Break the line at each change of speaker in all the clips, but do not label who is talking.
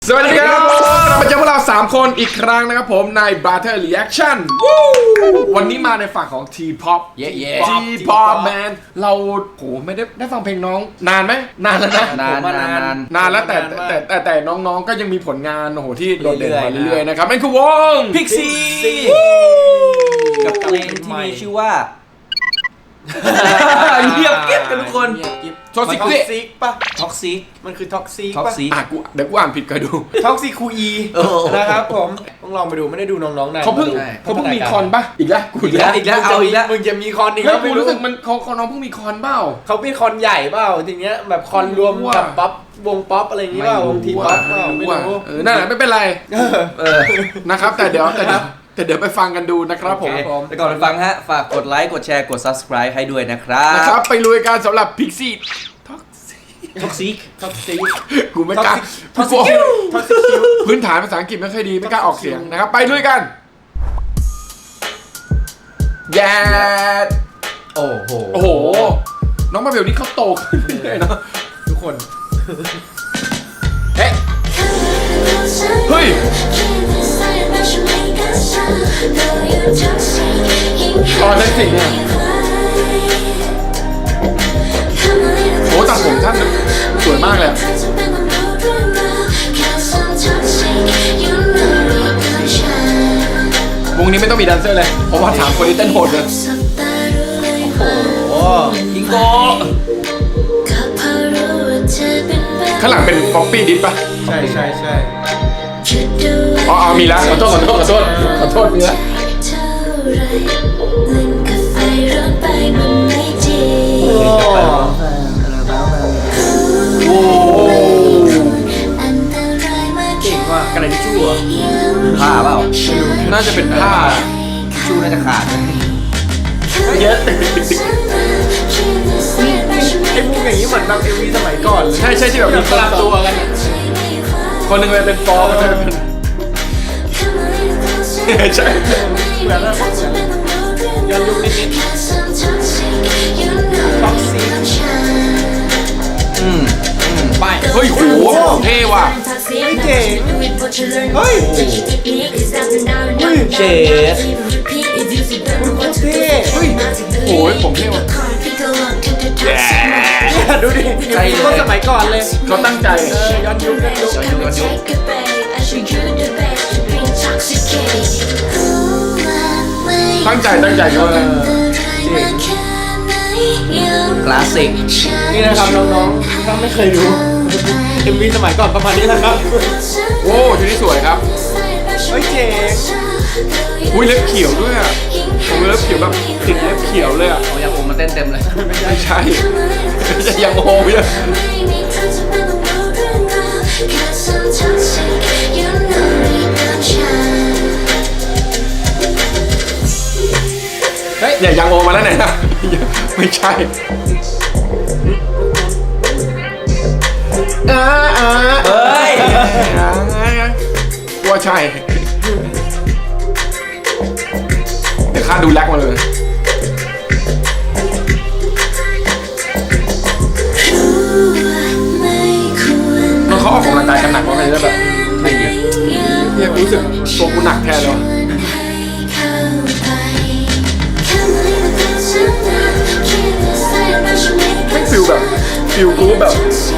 สวัสดีครับเรามาเจอพวกเรา3คนอีกครั้งนะครับผมใน Brother Reaction วันนี้มาในฝั่งของ T-pop T-pop man เราโหไม่ได้ฟังเพลงน้องนานไหมนานแล้วนะนานแล้วแต่น้องๆก็ยังมีผลงานโอ้โหที่โดดเด่นมาเรื่อยๆนะครับนั่นคือวง
Pixie กับเพลงที่มีชื่อว่าเงียบกิ๊บกันทุกคน
ท็อกซิก
ป่ะ
ท็อกซิก
มันคือท็อกซิก
ท็อก
ป่ะ
ซิก
เดี๋ยวกูอ่านผิดก็ดู
ท็อกซิคูอีนะครับผมต้องลองไปดูไม่ได้ดูน้องๆนาน
เขาเพิ่งมีคอนป่ะอีกแล้วกูอีกแล้ว
มึงจะมีคอนอีก
แล้ว
แล้ว
กูรู้สึกมันเขาน้องเพิ่งมีคอนเปล่า
เขาเป็นคอนใหญ่เปล่าทีเนี้ยแบบคอนรวมกับป๊อปวงป๊อปอะไรอย่างงี้เปล่าวงทีป๊อปเปล่าไม่รู้
นั่นแหละไม่เป็นไรนะครับแต่เดี๋ยวไปฟังกันดูนะครับผม
แต่ก่อนไปฟังฮะฝากกดไลค์กดแชร์กด subscribe ให้ด้วยนะครับ
นะครับไปลุยกันสำหรับ Pixie
ท็อกซิก
ท็อกซิก
กูไม่กล้า
ท็อกซิคิวท็อกซิคิว
พื้นฐานภาษาอังกฤษไม่ค่อยดีไม่กล้าออกเสียงนะครับไปลุยกันแย่โอ้โหน้องมาเบลนี่เขาโตขึ้นเลยเนาะ
ทุกคน
เฮ้ยตอนเล่นสิ่งเนี่ยโอ้ตัดผมท่านสวยมากเลยวงนี้ไม่ต้องมีแดนเซอร์เลยเพราะว่าถามคนที่เต้นโหดเลย
โอ้ยิงโก
ข้างหลังเป็นป๊อปปี้ดิสป่ะ
ใช่
อ๋อมีแล้วขอโทษมีแล้วโอ้
เก่งว่ะ
กระดาษทิชชู่เหรอผ้าเปล่า
น่าจะเป็นผ้า
ทิชชู่น่าจะขาดเลย
เยอะไอ้พวกอย่างนี้เหมือนแบบเอวีสมัยก่อนเลย
ใช่ที่แบบมีคนละตัวกันคนหนึ่งเป็นฟอร์คนหนึ่งเป็นใช่
เหมือนแบบย้อนยุคนิดท็อกซิก
ไปเฮ้ยโหเท่ว่ะ
เจ๋งเฮ้ย
เชฟ
เท่
เฮ้ยโอ้ยผมเท่ว่ะ
ดูดิต้นสมัยก่อนเลย
เขาตั้งใจ
ย้อนยุค
ตั้งใจด้วย
คลาสสิก
นี่นะครับน้องๆถ้าไม่เคยดูเอ็มวีสมัยก่อนประมาณนี้นะครับ
โอ้ชุดนี้สวยครับ
เฮ้ยเจ๋ง
อุ้ยเล็บเขียวด้วยอ่ะผมเล็บเขียวแบบติดเล็บเขียวเลยอ่ะ
เอายังผมมาเต้นเต็มเลย
ไม่ใช่ยังโอ้ยเฮ้ยเนี่ยยังโอมาแล้วเนี่ยนะไม่ใช่
เฮ้ย
ว่าใช่เดี๋ยวข้าดูแลกมาเลยน้องเขาออกกำลังกายกันหนักเพราะอะไรแบบอะไรเงี้ยเนี่ยรู้สึกตัวกูหนักแทนเลยไม่ฟิลแบบฟิลกูแบบ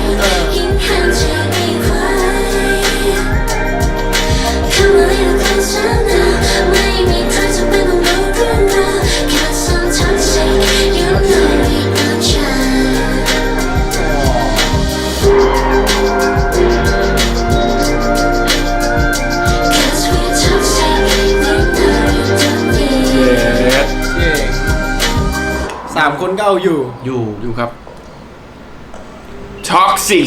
3 คนก็เอาอยู่
อยู่ครับ Toxic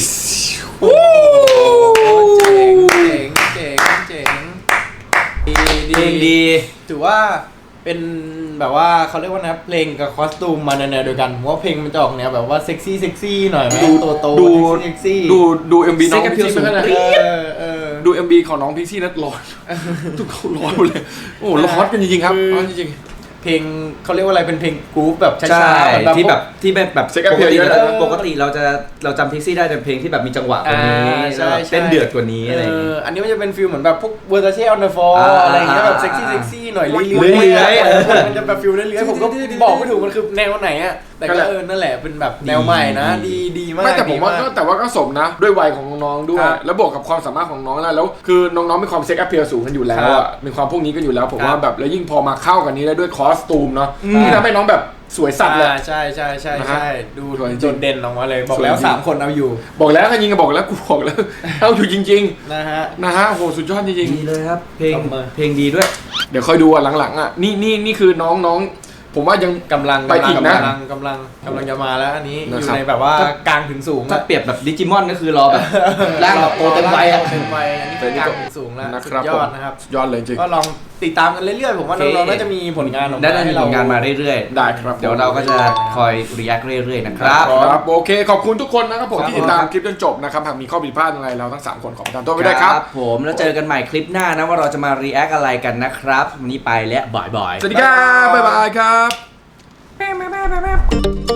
เจ๋ง
เพลงดี
ถือว่าเป็นแบบว่าเขาเรียกว่านะเพลงกับคอสตูมมาแนวเดียวกันว่าเพลงมันจะออกแนวแบบว่าเซ็กซี่หน่อยไหมโตเซ็กซี่
ดู MV น้องพิกซี่นะดู MV ของน้องพิกซี่นัดร้อนทุกคนร้อนหมดเลยโอ้ร้อนกันจริงๆครับร้อนจริง
เพลงเขาเรียกว่าอะไรเป็นเพลงกรุ๊ปแบบช้า
ใช่
ๆ
ที่แบบ
Sex Appeal เยอะเลย
ปกติเราจำทิกซี่ได้แต่เพลงที่แบบมีจังหวะกว่านี้
ใช่
เต้นเดือดกว่านี้อะไรอย่างงี้
อันนี้มันจะเป็นฟิลเหมือนแบบพวกเวอร์ซาเช่ออนเดอะฟอร์อะไรอย่างเงี้ยแบบเซ็กซี่หน่อยเรื่อยๆมันจะแบบฟิลเรื่อยๆผมก็บอกไม่ถูกมันคือแนวไหนอ่ะแต่ก็นั่นแหละเป็นแบบแนวใหม่นะดีมาก
ไม่แต่ผมว่าก็สมนะด้วยวัยของน้องๆด้วย
ครับ
แล้วบวกกับความสามารถของน้องแล้วคือน้องๆมีความเซ็กแอพเพียลสูงกันอยู่แล้ว
ครั
อ่ะ
บ
มีความพวกนี้กันอยู่แล้วผม
ครับ
ว่าแบบแล้วยิ่งพอมาเข้ากันนี้แล้วด้วยคอสตูมเนาะที่ทำให้น้องแบบสวยสัตว์เลย
ใช่
นะฮะ
ดู
สวยจริง
โดดเด่นออกมาเลยบอก
สวย
แล้ว
จริง
3 คนเอาอยู่
บอกแล้วกันยิงก็บอกแล้วกูบอกแล้ว เอาอยู่จริง
นะฮะ
ๆนะฮะโหสุดยอดจริง
ดีเลยครับ เพลง
ตบมือ
เพลงดีด้วย
ๆเดี๋ยวคอยดูอ่ะหลังๆอ่ะนี่คือน้องผมว่ายัง
กำลัง
ไปอีกนะ
กำลังจะมาแล้วอันนี้อ
นะ
ยู่
ครับ
ในแบบว่ากลางถึงสูง
ถ้าเปรียบแบบดิจิมอนก็คือรอแบบร่างแบบโตเต็มวัยอะ
เต็มวัยอันนี้คือกลางถึงสูงแล้ว
นะ
สุ
ครั
ด
บ
ยอดนะครับ
สุดยอดเลยจริง
ก็ลองติดตามกันเรื่อยๆผมว่า
โอเค
น้องๆน่าจะมีผลงานออกมา
ได้มี
ให้
ผลงานมาเรื่อย
ได้ครับ
ๆ เดี๋ยวเราก็จะคอยรีแอคเรื่อยๆนะครับ
ครับโอเคขอบคุณทุกคนนะครับผม
ครับ
ที่ติดตามคลิปจนจบนะครับหากมีข้อผิดพลาดอะไรเราทั้ง3คนขอประทานโทษไว้ด้วยครับ
ผมแล้วเจอกันใหม่คลิปหน้านะว่าเราจะมารีแอคอะไรกันนะครับวันนี้ไปแล้วบ่อยๆ
สวัสดีครับบ๊ายบายครับ